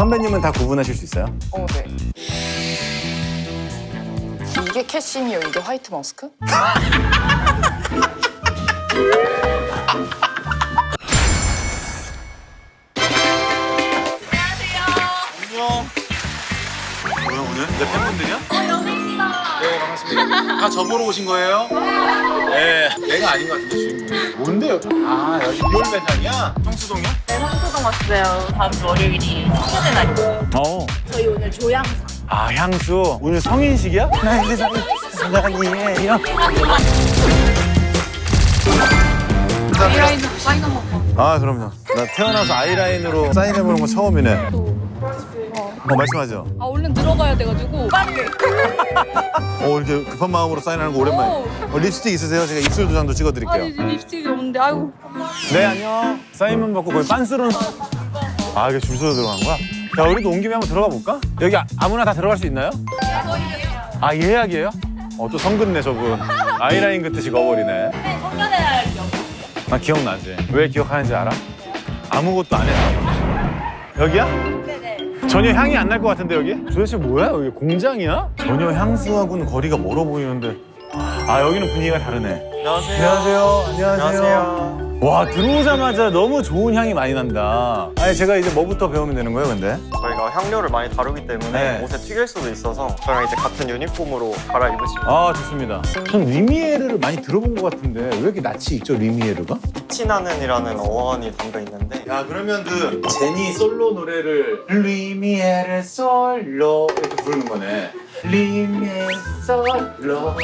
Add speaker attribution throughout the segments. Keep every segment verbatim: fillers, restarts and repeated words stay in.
Speaker 1: 선배님은 다 구분하실 수 있어요?
Speaker 2: 어, 네. 이게 캐시미어, 이게 화이트 머스크?
Speaker 1: 안녕. 뭐야 오늘? 내 팬분들이야? 어, 연예인이다. 네, 반갑습니다. 다 저보러 오신 거예요? 네. 내가 아닌 것 같은데 주인공. 뭔데요? 아, 여기 리얼 매장이야? 형수동이야?
Speaker 3: 네, 성수동 왔어요. 다음 주 월요일이 성년의 날이에요.
Speaker 1: 어.
Speaker 3: 저희 오늘 조향상.
Speaker 1: 아, 향수. 오늘 성인식이야? 나 이제 성인이에요.
Speaker 3: 아이라인으로 사인 한 번.
Speaker 1: 아, 그럼요. 나 태어나서 아이라인으로 사인해보는 건 처음이네. 어, 말씀하죠.
Speaker 3: 아, 얼른 들어가야 돼가지고 빠르게.
Speaker 1: 어, 이렇게 급한 마음으로 사인하는 거 오랜만에. 어, 립스틱 있으세요? 제가 입술 도장도 찍어드릴게요.
Speaker 3: 아니, 립스틱이 없는데, 아이고.
Speaker 1: 네, 안녕. 사인만 받고 거의 빤스런. 아, 이게 줄 서서 들어간 거야? 야, 우리도 온 김에 한번 들어가 볼까? 여기 아, 아무나 다 들어갈 수 있나요? 아, 예약이에요? 어, 또 성근네, 저분. 아이라인 긋듯이 거버리네.
Speaker 3: 네, 성년의 날 기억.
Speaker 1: 나 기억나지? 왜 기억하는지 알아? 아무것도 안 했어. 여기야?
Speaker 3: 네네.
Speaker 1: 전혀 향이 안 날 것 같은데, 여기? 도대체 뭐야? 여기 공장이야? 전혀 향수하고는 거리가 멀어 보이는데. 아, 여기는 분위기가 다르네.
Speaker 4: 안녕하세요.
Speaker 1: 안녕하세요. 안녕하세요.
Speaker 4: 안녕하세요.
Speaker 1: 와, 들어오자마자 너무 좋은 향이 많이 난다. 아니, 제가 이제 뭐부터 배우면 되는 거예요, 근데?
Speaker 4: 저희가 향료를 많이 다루기 때문에
Speaker 1: 네.
Speaker 4: 옷에 튀길 수도 있어서 저랑 이제 같은 유니폼으로 갈아입으시면
Speaker 1: 아, 좋습니다. 전 리미에르를 많이 들어본 것 같은데 왜 이렇게 낯이 있죠, 리미에르가?
Speaker 4: 티나는이라는 어원이 담겨 있는데
Speaker 1: 야, 그러면 그 제니 솔로 노래를 리미에르 솔로 이렇게 부르는 거네. 리미에르 솔로.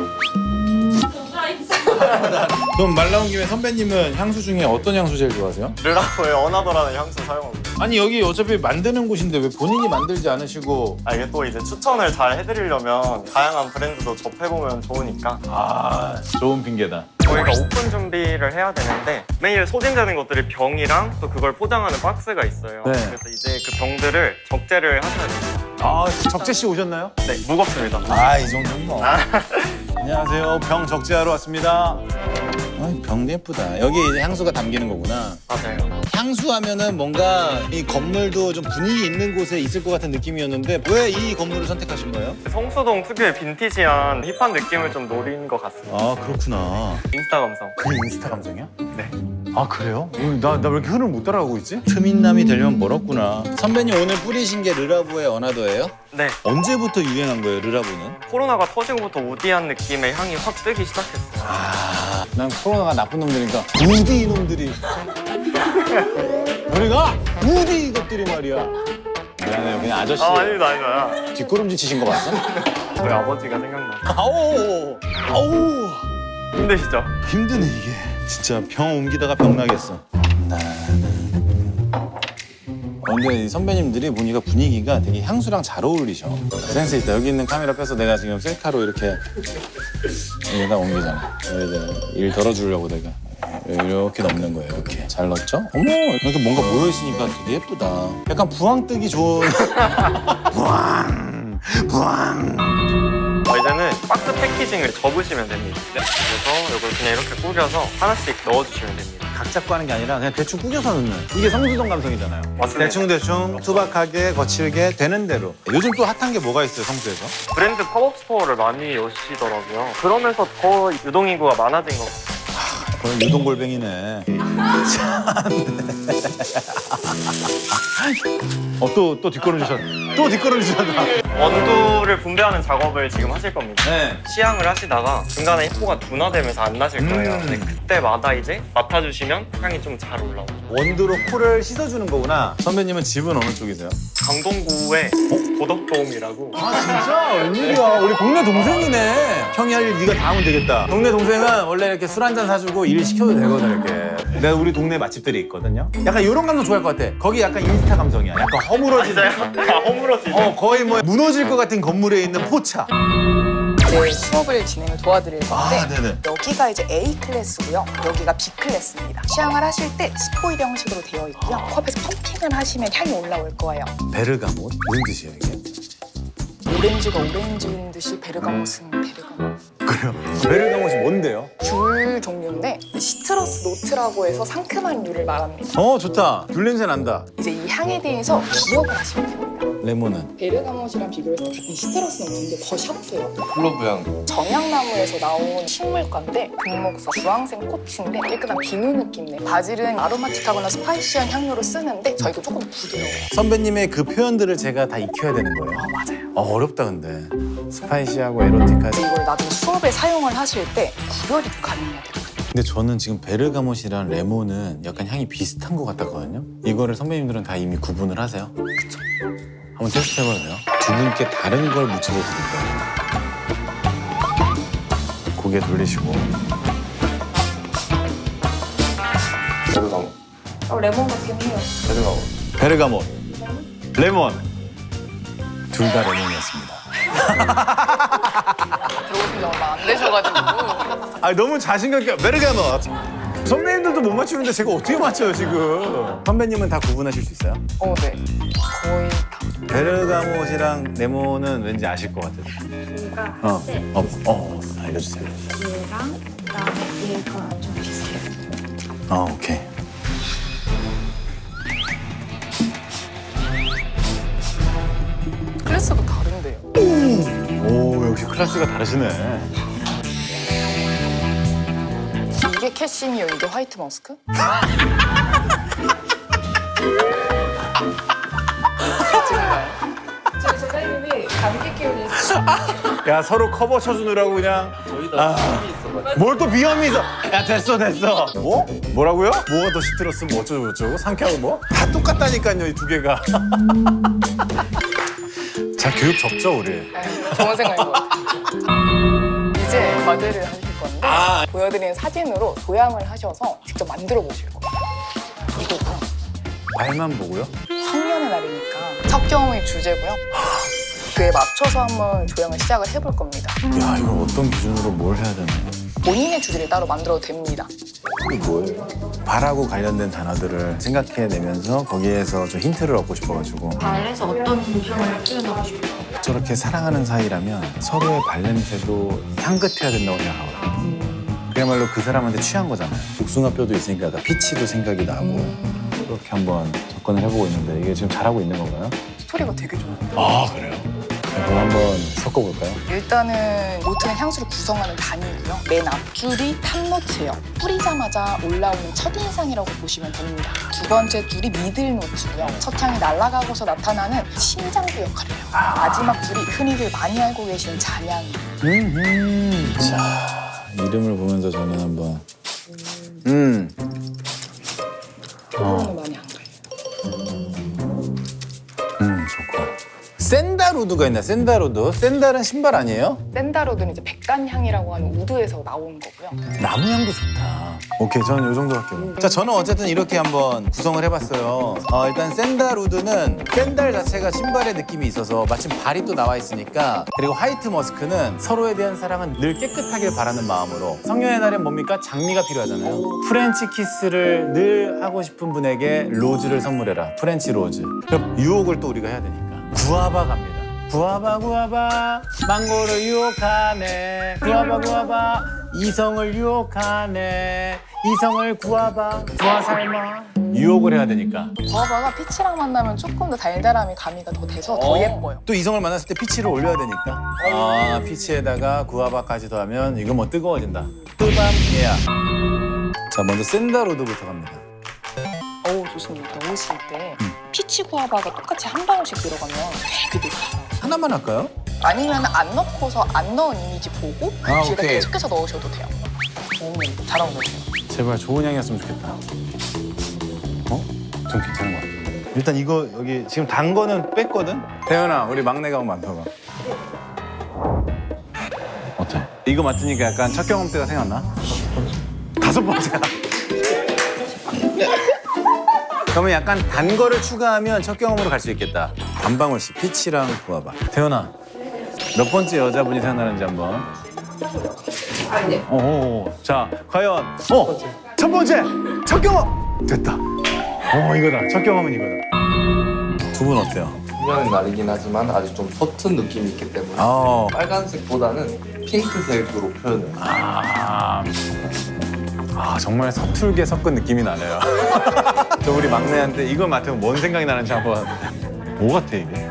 Speaker 1: 그럼 말 나온 김에 선배님은 향수 중에 어떤 향수 제일 좋아하세요?
Speaker 4: 르라보의 어나더라는 향수 사용하고 있어요.
Speaker 1: 아니, 여기 어차피 만드는 곳인데 왜 본인이 만들지 않으시고.
Speaker 4: 아, 이게 또 이제 추천을 잘 해드리려면 다양한 브랜드도 접해보면 좋으니까
Speaker 1: 아, 좋은 핑계다.
Speaker 4: 저희가 오픈 준비를 해야 되는데 매일 소진되는 것들이 병이랑 또 그걸 포장하는 박스가 있어요.
Speaker 1: 네.
Speaker 4: 그래서 이제 그 병들을 적재를 하셔야 됩니다.
Speaker 1: 아, 적재 씨 오셨나요?
Speaker 4: 네, 무겁습니다.
Speaker 1: 아, 이 정도는 뭐. 안녕하세요. 병 적재하러 왔습니다. 아, 병 예쁘다. 여기 이제 향수가 담기는 거구나.
Speaker 4: 맞아요.
Speaker 1: 향수 하면은 뭔가 이 건물도 좀 분위기 있는 곳에 있을 것 같은 느낌이었는데 왜 이 건물을 선택하신 거예요?
Speaker 4: 성수동 특유의 빈티지한 힙한 느낌을 좀 노린 것 같습니다.
Speaker 1: 아, 그렇구나.
Speaker 4: 인스타 감성.
Speaker 1: 그게 인스타 감성이야?
Speaker 4: 네.
Speaker 1: 아, 그래요? 나 나 왜 이렇게 흐름을 못 따라가고 있지? 트민남이 되려면 멀었구나. 선배님 오늘 뿌리신 게 르라보의 어나더예요?
Speaker 4: 네.
Speaker 1: 언제부터 유행한 거예요, 르라보는?
Speaker 4: 코로나가 터지고부터 우디한 느낌의 향이 확 뜨기 시작했어요.
Speaker 1: 아, 난 코로나가 나쁜 놈들이니까 우디 이놈들이. 우리가 우디 이것들이 말이야. 미안해요, 그냥 아저씨.
Speaker 4: 아, 아닙니다, 아닙니다.
Speaker 1: 뒷걸음질 치신 거 봤어?
Speaker 4: 저희 아버지가 생각나요.
Speaker 1: 아우, 아우.
Speaker 4: 힘드시죠?
Speaker 1: 힘드네 이게. 진짜 병 옮기다가 병 나겠어. 근데 이 선배님들이 보니까 분위기가 되게 향수랑 잘 어울리셔. 센스 있다. 여기 있는 카메라 빼서 내가 지금 셀카로 이렇게 여기다 옮기잖아. 여기다 일 덜어주려고 내가 이렇게 넣는 거예요. 이렇게 잘 넣었죠? 어머, 이렇게 뭔가 모여 있으니까 되게 예쁘다. 약간 부황 뜨기 좋은. 부황, 부황.
Speaker 4: 어, 이제는 박스 패키징을 접으시면 됩니다. 그래서 이걸 그냥 이렇게 꾸겨서 하나씩 넣어주시면 됩니다.
Speaker 1: 각 잡고 하는 게 아니라 그냥 대충 꾸겨서 넣는. 이게 성수동 감성이잖아요.
Speaker 4: 맞습니다.
Speaker 1: 대충 대충 투박하게 거칠게 되는 대로. 요즘 또 핫한 게 뭐가 있어요, 성수에서?
Speaker 4: 브랜드 팝업 스토어를 많이 여시더라고요. 그러면서 더 유동인구가 많아진 것 같아요.
Speaker 1: 그건 유동골뱅이네. 어, 또, 또 뒷걸음 주셨, 또 뒷걸음 주셨다.
Speaker 4: 원두를 분배하는 작업을 지금 하실 겁니다.
Speaker 1: 네.
Speaker 4: 시향을 하시다가 중간에 힙고가 둔화되면서 안 나실 거예요.
Speaker 1: 음.
Speaker 4: 근데 그때마다 이제 맡아주시면 향이 좀 잘 올라오죠.
Speaker 1: 원두로 코를 씻어주는 거구나. 선배님은 집은 어느 쪽이세요?
Speaker 4: 강동구의 고덕돔이라고.
Speaker 1: 아, 진짜? 웬일이야. 우리 동네 동생이네. 형이 할 일 네가 다 하면 되겠다. 동네 동생은 원래 이렇게 술 한 잔 사주고 일 시켜도 되거든, 이렇게. 내가 우리 동네 맛집들이 있거든요. 약간 이런 감성 좋아할 것 같아. 거기 약간 인스타 감성이야. 약간 허물어지는.
Speaker 4: 진짜요? 아, 허물어지죠?
Speaker 1: 어, 거의 뭐 무너질 것 같은 건물에 있는 포차.
Speaker 2: 이제 수업을 진행을 도와드릴 건데
Speaker 1: 아, 네네.
Speaker 2: 여기가 이제 A 클래스고요. 여기가 B 클래스입니다. 시향을 하실 때 스포일 형식으로 되어 있고요. 코앞에서 펌핑을 하시면 향이 올라올 거예요.
Speaker 1: 베르가못? 무슨 뜻이에요, 이게?
Speaker 2: 오렌지가 오렌지인 듯이 베르가못은 베르가못.
Speaker 1: 그래요? 베르가못이 뭔데요?
Speaker 2: 귤 귤 종류인데 시트러스 노트라고 해서 상큼한 류를 말합니다.
Speaker 1: 어 좋다. 귤 냄새 난다.
Speaker 2: 이제 이 향에 대해서 기억을 하시면 됩니다.
Speaker 1: 레몬은
Speaker 2: 베르가못이랑 비교해서 같은 시트러스 노트인데 더 샤프해요.
Speaker 5: 클로브 향.
Speaker 2: 정향나무에서 나온 식물과인데 금목서, 주황색 꽃인데 깨끗한 비누 느낌네. 바질은 아로마틱하거나 스파이시한 향료로 쓰는데 저희도 조금 부드러워요.
Speaker 1: 선배님의 그 표현들을 제가 다 익혀야 되는 거예요.
Speaker 2: 아, 맞아요.
Speaker 1: 어, 어렵다 근데. 스파이시하고 에로틱하지.
Speaker 2: 이걸 나중에 수업에 사용을 하실 때 구별이 가능해야 되거든요.
Speaker 1: 근데 저는 지금 베르가못이랑 레몬은 약간 향이 비슷한 것 같았거든요. 이거를 선배님들은 다 이미 구분을 하세요? 그쵸. 한번 테스트 해봐도 돼요? 두 분께 다른 걸 묻혀서 드릴 거예요. 고개 돌리시고.
Speaker 5: 베르가모.
Speaker 3: 어, 레몬 같긴 해요.
Speaker 5: 베르가모.
Speaker 1: 베르가못, 레몬. 둘 다 레몬이었습니다.
Speaker 2: 들어오신 지 얼마 안 되셔가지고.
Speaker 1: 아 너무 자신감 있게 베르가못. 선배님들도 못 맞추는데 제가 어떻게 맞춰요 지금? 선배님은 다 구분하실 수 있어요?
Speaker 2: 어, 네. 거의 다.
Speaker 1: 베르가못이랑 레몬은 왠지 아실 것 같아요.
Speaker 3: 얘가
Speaker 1: 어,
Speaker 3: 네.
Speaker 1: 어, 어, 알려주세요.
Speaker 3: 얘랑 그다음에 얘가 좀 비슷해요.
Speaker 1: 어, 오케이.
Speaker 2: 클래스가 다른데요.
Speaker 1: 오, 역시 클래스가 다르시네.
Speaker 2: 이게 캐시미어, 이게 화이트 머스크? 정말.
Speaker 3: 저희 선생님이 감기 기운이 있어요.
Speaker 1: 야, 서로 커버 쳐주느라고 그냥.
Speaker 5: 저희 다 비염이 있어가지고.
Speaker 1: 뭘 또 비염이 있어? 야, 됐어, 됐어. 뭐? 뭐라고요? 뭐가 더 시트러스, 뭐 어쩌고 저쩌고? 상쾌하고 뭐? 다 똑같다니까요, 이 두 개가. 자, 교육 적죠, 우리?
Speaker 2: 네, 좋은 생각인 것 같아요. 이제 과제를 하실 건데
Speaker 1: 아.
Speaker 2: 보여드리는 사진으로 도양을 하셔서 직접 만들어 보실 거예요. 이거고요.
Speaker 1: 말만 보고요?
Speaker 2: 성년의 날이니까 첫 경험의 주제고요. 그에 맞춰서 한번 조형을 시작을 해볼 겁니다.
Speaker 1: 야, 이걸 어떤 기준으로 뭘 해야 되나?
Speaker 2: 본인의 주제를 따로 만들어도 됩니다.
Speaker 1: 이게 뭐예요? 발하고 관련된 단어들을 생각해내면서 거기에서 좀 힌트를 얻고 싶어가지고
Speaker 3: 발에서 어떤 향을 표현하고 싶어요?
Speaker 1: 저렇게 사랑하는 사이라면 서로의 발냄새도 향긋해야 된다고 생각하거든요. 그야말로 그 사람한테 취한 거잖아요. 복숭아뼈도 있으니까 아까 피치도 생각이 나고 그렇게 한번 접근을 해보고 있는데 이게 지금 잘하고 있는 건가요?
Speaker 2: 스토리가 되게 좋아요.
Speaker 1: 아 그래요? 그럼 한번 섞어볼까요?
Speaker 2: 일단은 노트는 향수를 구성하는 단위고요. 맨 앞줄이 탑노트예요. 뿌리자마자 올라오는 첫인상이라고 보시면 됩니다. 두 번째 줄이 미들 노트고요. 첫 향이 날아가고서 나타나는 심장부 역할을 해요. 마지막 줄이 흔히들 많이 알고 계시는 잔향이에요.
Speaker 1: 음. 자 이름을 보면서 저는 한번 음.
Speaker 2: 그거는 많이 안 가요.
Speaker 1: 음 좋고. 샌다루드가 있나? 샌다루드? 샌달은 신발 아니에요?
Speaker 2: 샌다로드는 이제 백간향이라고 하는 우드에서 나온 거고요.
Speaker 1: 나무 향도 좋다. 오케이, 저는 이 정도 할게요. 자, 저는 어쨌든 이렇게 한번 구성을 해봤어요. 어, 일단 샌달우드는 샌달 자체가 신발의 느낌이 있어서 마침 발이 또 나와 있으니까 그리고 화이트 머스크는 서로에 대한 사랑은 늘 깨끗하길 바라는 마음으로 성년의 날엔 뭡니까? 장미가 필요하잖아요. 프렌치 키스를 늘 하고 싶은 분에게 로즈를 선물해라. 프렌치 로즈. 그럼 유혹을 또 우리가 해야 되니까. 구아바 갑니다. 구아바 구아바 망고를 유혹하네. 구아바 구아바 이성을 유혹하네. 이성을 구아바 구아 삶아. 유혹을 해야 되니까.
Speaker 2: 구아바가 피치랑 만나면 조금 더 달달함이 가미가 더 돼서 더 예뻐요.
Speaker 1: 또 이성을 만났을 때 피치를 올려야 되니까. 아 피치에다가 구아바까지 더하면 이거 뭐 뜨거워진다. 뜨밤 예야. 자 먼저 샌다로드부터 갑니다.
Speaker 2: 어우 좋습니다. 넣으실 때 피치 구아바가 똑같이 한 방울씩 들어가면 되게 달아요.
Speaker 1: 하나만 할까요?
Speaker 2: 아니면 안 넣고서 안 넣은 이미지 보고
Speaker 1: 아,
Speaker 2: 뒤에다
Speaker 1: 오케이.
Speaker 2: 계속해서 넣으셔도 돼요. 오, 잘 어울려요.
Speaker 1: 제발 좋은 향이었으면 좋겠다. 어? 좀 괜찮은 것 같아. 일단 이거 여기 지금 단 거는 뺐거든? 태연아, 우리 막내가 한번 맡아봐. 어때? 이거 맡으니까 약간 첫 경험 때가 생각나? 다섯 번째야. 그러면 약간 단 거를 추가하면 첫 경험으로 갈 수 있겠다. 한 방울씩 피치랑 구아바. 태연아, 몇 번째 여자분이 생각나는지 한번. 오, 자, 과연 어, 첫 번째 첫 경험 됐다. 어, 이거다. 첫 경험은 이거다. 두 분 어때요?
Speaker 5: 성년의 날이긴 하지만 아직 좀 서툰 느낌이 있기 때문에
Speaker 1: 아,
Speaker 5: 빨간색보다는 핑크색으로 표현을 해요.
Speaker 1: 아, 아 정말 서툴게 섞은 느낌이 나네요. 저 우리 막내한테 이거 맡으면 뭔 생각이 나는지 한번. 뭐 같아 이게?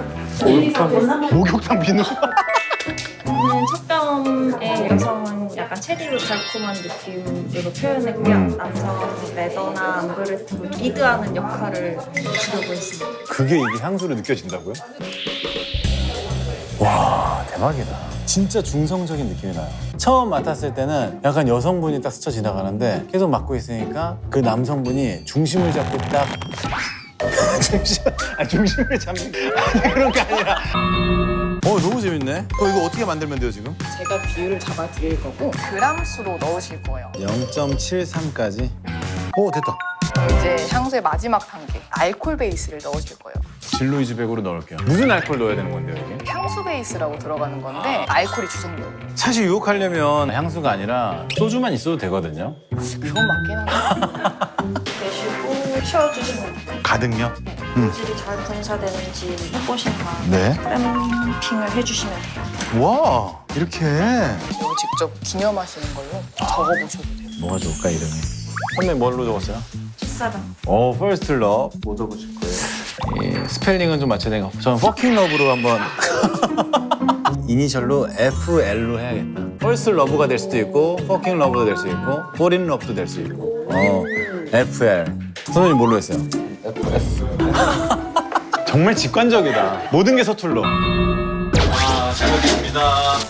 Speaker 1: 목욕탕 비누?
Speaker 3: 저는 첫병의 여성은 약간 체리로 달콤한 느낌으로 표현했고요.
Speaker 1: 음.
Speaker 3: 남성은 레더나 앙브레트 리드하는 역할을 주려고 했습니다.
Speaker 1: 그게 이게 향수로 느껴진다고요? 와 대박이다. 진짜 중성적인 느낌이 나요. 처음 맡았을 때는 약간 여성분이 딱 스쳐 지나가는데 계속 맡고 있으니까 그 남성분이 중심을 잡고 딱 중심, 아 중심을 잡는 아니 그런 게 아니라 어 너무 재밌네. 어, 이거 어떻게 만들면 돼요 지금?
Speaker 2: 제가 비율을 잡아 드릴 거고 그람 수로 넣으실 거예요.
Speaker 1: 영 점 칠삼까지. 오 됐다.
Speaker 2: 이제 향수의 마지막 단계 알코올 베이스를 넣으실 거예요.
Speaker 1: 진로이즈 백으로 넣을게요. 무슨 알코올 넣어야 되는 건데요 이게?
Speaker 2: 향수 베이스라고 들어가는 건데 알코올이 주성분.
Speaker 1: 사실 유혹하려면 향수가 아니라 소주만 있어도 되거든요.
Speaker 2: 그건 맞긴 한데.
Speaker 3: 내쉬고 쉬어주시면 돼요.
Speaker 1: 가득요?
Speaker 3: 질이 잘 분사되는지 해보신 다음
Speaker 1: 네.
Speaker 3: 램핑을 해주시면 돼요.
Speaker 1: 와 이렇게.
Speaker 2: 이거 직접 기념하시는 걸로 적어보셔도 돼요.
Speaker 1: 뭐가 좋을까 이름이? 선배 뭘로 적었어요?
Speaker 3: 첫사랑.
Speaker 1: 오 First Love.
Speaker 5: 뭐 적으실 거예요?
Speaker 1: 이 스펠링은 좀 맞춰야 되는 거. 저는 Fucking Love로 한번 이니셜로 에프 엘로 해야겠다. First Love가 될 수도 있고 Fucking Love도 될 수 있고 Fall in Love도 될 수 있고 어 에프 엘. 선생님 뭘로 했어요?
Speaker 5: 에프 에스.
Speaker 1: 정말 직관적이다. 모든 게 서툴러.
Speaker 6: 아, 잘 먹겠습니다.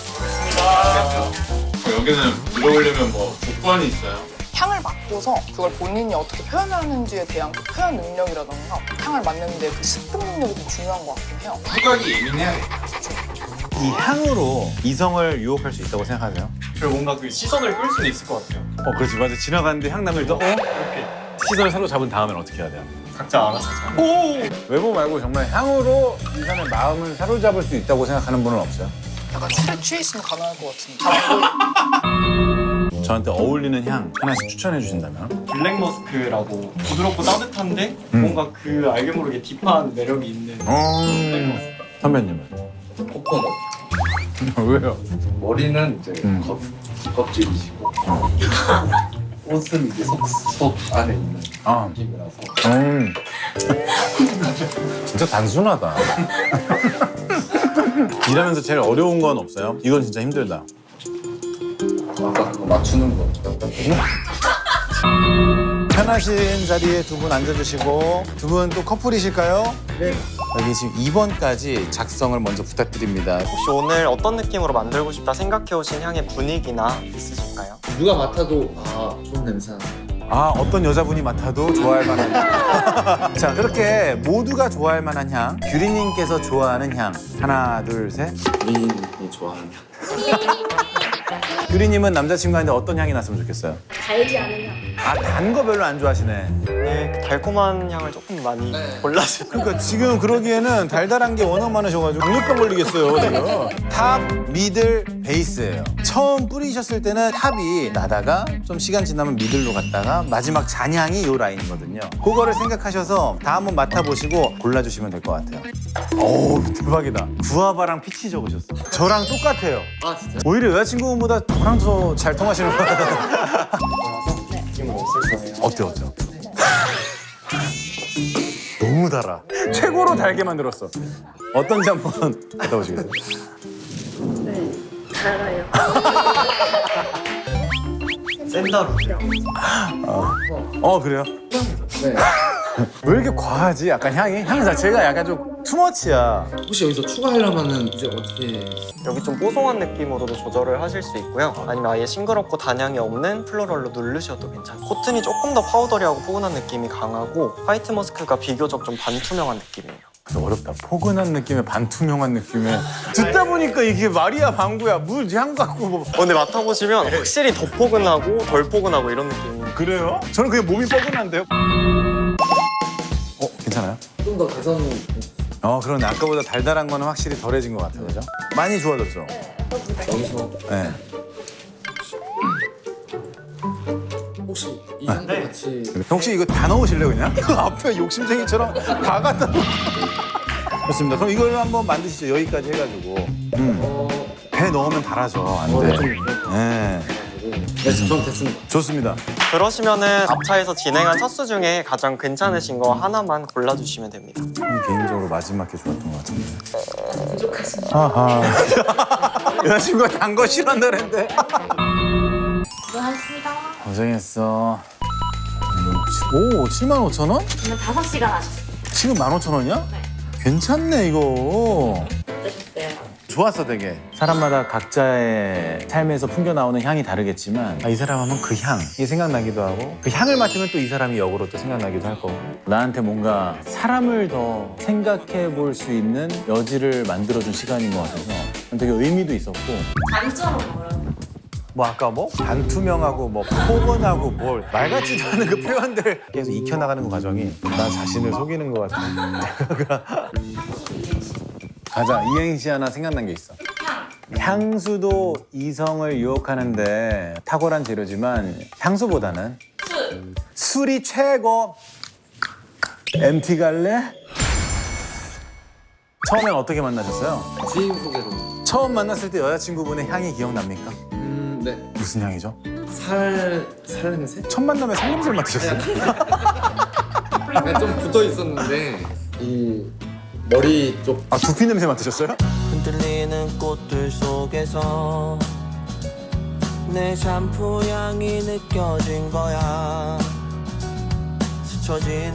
Speaker 6: 여기는 들어오려면 뭐 조건이 있어요?
Speaker 2: 향을 맡고서 그걸 본인이 어떻게 표현하는지에 대한 그 표현 능력이라던가 향을 맡는데 그 습득 능력이 좀 중요한 것 같긴 해요.
Speaker 6: 후각이 예민해야겠다.
Speaker 1: 이 향으로 이성을 유혹할 수 있다고 생각하세요?
Speaker 4: 저 뭔가 그 시선을 끌 수는 있을 것 같아요.
Speaker 1: 어 그렇지 맞아. 지나가는데 향 나면 일단 어?
Speaker 4: 이렇게
Speaker 1: 시선을 서로 잡은 다음엔 어떻게 해야 돼요?
Speaker 4: 각자 알아서 잘.
Speaker 1: 외모 말고 정말 향으로 이 사람의 마음을 사로잡을 수 있다고 생각하는 분은 없어요?
Speaker 2: 약간 술에 취해 있으면 가능할 것 같은데. 잘
Speaker 1: 저한테 어울리는 향 하나씩 추천해 주신다면?
Speaker 4: 블랙 머스크라고 부드럽고 따뜻한데
Speaker 1: 음.
Speaker 4: 뭔가 그 알게 모르게 딥한 매력이 있는
Speaker 1: 음... 선배님은?
Speaker 5: 코코넛.
Speaker 1: 왜요?
Speaker 5: 머리는 이제
Speaker 1: 음.
Speaker 5: 겉, 껍질이시고 옷은 이제 속, 속 안에 있는
Speaker 1: 아,
Speaker 5: 느낌이라서
Speaker 1: 음. 진짜 단순하다. 일하면서 제일 어려운 건 없어요? 이건 진짜 힘들다.
Speaker 5: 아까 그거 맞추는 거.
Speaker 1: 편하신 자리에 두 분 앉아주시고 두 분 또 커플이실까요? 네. 여기 지금 이 번까지 작성을 먼저 부탁드립니다.
Speaker 4: 혹시 오늘 어떤 느낌으로 만들고 싶다 생각해 오신 향의 분위기나 있으실까요?
Speaker 5: 누가 맡아도 아 좋은 냄새 나네.
Speaker 1: 아 어떤 여자분이 맡아도 좋아할 만한 향. 자 그렇게 모두가 좋아할 만한 향 규리님께서 좋아하는 향 하나 둘 셋.
Speaker 5: 미인이 좋아하는 향.
Speaker 1: 규리님은 남자친구한테 어떤 향이 났으면 좋겠어요?
Speaker 3: 달지 않은 향.
Speaker 1: 아 단 거 별로 안 좋아하시네.
Speaker 4: 네, 그 달콤한 향을 조금 많이 골라주세요.
Speaker 1: 그러니까 지금 그러기에는 달달한 게 워낙 많으셔가지고 당뇨병 걸리겠어요 지금. 탑, 미들, 베이스예요. 처음 뿌리셨을 때는 탑이 나다가 좀 시간 지나면 미들로 갔다가 마지막 잔향이 요 라인이거든요. 그거를 생각하셔서 다 한번 맡아보시고 골라주시면 될 것 같아요. 오 대박이다. 구아바랑 피치 적으셨어. 저랑 똑같아요.
Speaker 5: 아 진짜?
Speaker 1: 오히려 여자친구분보다 저랑 더 잘 통하시는 것 같아요.
Speaker 4: 느낌은 없을 거예요.
Speaker 1: 어때 어때? 너무 달아. 최고로 달게 만들었어. 어떤지 한번 갔다 오시겠어요?
Speaker 3: 네, 달아요.
Speaker 4: 샌다루요.
Speaker 1: 어 그래요?
Speaker 5: 네.
Speaker 1: 왜 이렇게 과하지? 약간 향이? 향 자체가 약간 좀 투머치야.
Speaker 5: 혹시 여기서 추가하려면은 이제 어떻게?
Speaker 4: 여기 좀 뽀송한 느낌으로도 조절을 하실 수 있고요. 아니면 아예 싱그럽고 단향이 없는 플로럴로 누르셔도 괜찮아요. 코튼이 조금 더 파우더리하고 포근한 느낌이 강하고 화이트 머스크가 비교적 좀 반투명한 느낌이에요.
Speaker 1: 근데 어렵다. 포근한 느낌에 반투명한 느낌에 듣다 보니까 이게 말이야 방구야. 물 향 갖고 뭐.
Speaker 4: 어, 근데 맡아보시면 확실히 더 포근하고 덜 포근하고 이런 느낌이.
Speaker 1: 그래요? 저는 그냥 몸이 뻐근한데요. 어 괜찮아요?
Speaker 5: 좀 더 개선을
Speaker 1: 어 그러네. 아까보다 달달한 거는 확실히 덜해진 것 같아요. 그죠? 많이 좋아졌죠?
Speaker 5: 여기서
Speaker 1: 네.
Speaker 5: 혹시 이 향도
Speaker 4: 네.
Speaker 5: 같이
Speaker 1: 혹시 이거 다 넣으실래요 그냥? 앞에 욕심쟁이처럼 다 갖다 놓. 좋습니다. 그럼 이걸 한번 만드시죠. 여기까지 해가지고. 음.
Speaker 5: 어,
Speaker 1: 배 넣으면 달아져. 안
Speaker 5: 어,
Speaker 1: 돼.
Speaker 5: 좀
Speaker 1: 네.
Speaker 5: 그래가지고 네, 전 됐습니다.
Speaker 1: 좋습니다.
Speaker 4: 그러시면은 앞차에서 진행한 첫 수 중에 가장 괜찮으신 거 하나만 골라주시면 됩니다.
Speaker 1: 개인적으로 마지막 게 좋았던 것 같은데. 부족하신. 아하. 여자친구가 단 거 싫어한다 그랬는데.
Speaker 3: 수고하셨습니다.
Speaker 1: 고생했어. 오, 칠만 오천 원?
Speaker 3: 오늘 다섯 시간 하셨어요.
Speaker 1: 지금 만 오천 원이야?
Speaker 3: 네.
Speaker 1: 괜찮네 이거.
Speaker 3: 어떠셨어요?
Speaker 1: 좋았어 되게. 사람마다 각자의 삶에서 풍겨 나오는 향이 다르겠지만 아, 이 사람 하면 그 향, 이게 생각나기도 하고 그 향을 맡으면 또 이 사람이 역으로 또 생각나기도 할 거고 나한테 뭔가 사람을 더 생각해 볼 수 있는 여지를 만들어준 시간인 것 같아서 되게 의미도 있었고
Speaker 3: 단점은 뭐라고?
Speaker 1: 뭐 아까 뭐 반투명하고 뭐 포근하고 뭘 말 같지도 않은 그 표현들을 계속 익혀나가는 그 과정이 나 자신을 속이는 것 같아. 가자. 이행시 하나 생각난 게 있어. 향수도 이성을 유혹하는데 탁월한 재료지만 향수보다는
Speaker 3: 술.
Speaker 1: 술이 최고. 엠티 갈래? 처음엔 어떻게 만나셨어요?
Speaker 5: 지인 소개로.
Speaker 1: 처음 만났을 때 여자친구분의 향이 기억납니까?
Speaker 5: 음, 네.
Speaker 1: 무슨 향이죠?
Speaker 5: 살, 살 냄새?
Speaker 1: 첫 만남에 살냄새를 맡으셨어요?
Speaker 5: 약간 좀 붙어 있었는데 이 머리 쪽
Speaker 1: 아, 두피 냄새 맡으셨어요?
Speaker 7: 흔들리는 꽃들 속에서 내 샴푸 향이 느껴진 거야. 스쳐진